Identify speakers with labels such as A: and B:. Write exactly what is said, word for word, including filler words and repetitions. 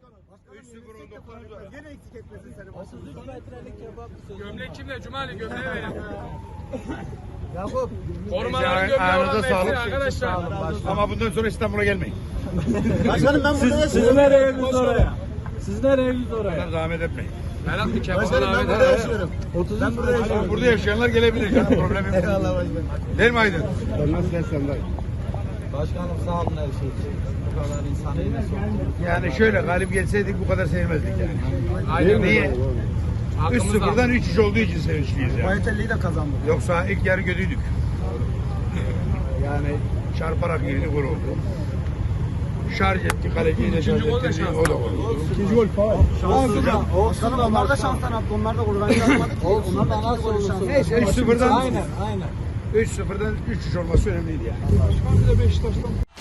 A: üç sıfır on dokuz var.
B: Yine eksik etmesin seni.
C: otuz üç metrelik kebap sözü.
D: Gömlek kimde? Cumali gömleği verin.
B: Yakup.
D: Korumaların gömleği olan versin arkadaşlar.
A: Ama bundan sonra İstanbul'a gelmeyin.
B: Başkanım ben burada
C: Siz
B: yaşıyorum.
C: nereye biz oraya? Siz nereye biz oraya?
A: Bunlar zahmet etmeyin.
D: Merak bir kebap
B: Başkanım ben
D: davet
B: burada
D: et.
B: yaşıyorum. Ben burada yaşıyorum.
A: Burada yaşayanlar gelebilir canım, problemim yok.
B: Eyvallah başkanım.
A: Değil mi Aydın?
C: Başkanım sağ olun her şey için. Bu kadar insan eline soktu.
A: Yani şöyle galip gelseydik bu kadar sevinmezdik yani.
D: Aynen.
A: Niye? üç
D: Hakkımızda.
A: sıfırdan üç üç olduğu için sevinçliyiz yani.
B: Bayatelli'yi de kazandık.
A: Yoksa ilk yarı kötüydük. Yani çarparak girdi, gol oldu. Şarj etti, kaleciyi de şarj
D: İkinci gol de
A: etti.
D: şans.
A: O da oldu.
B: İkinci gol falan. Olsun da. Başkanım onlar da şanstan attı. Onlar da golü bence atmadı ki.
C: Olsun
B: Onlar
C: da
B: da
C: nasıl olursa.
A: Neyse üç sıfırdan
C: Aynen aynen.
A: üç sıfırdan üç üç olması önemliydi yani.
D: Başkan bir de Beşiktaş'tan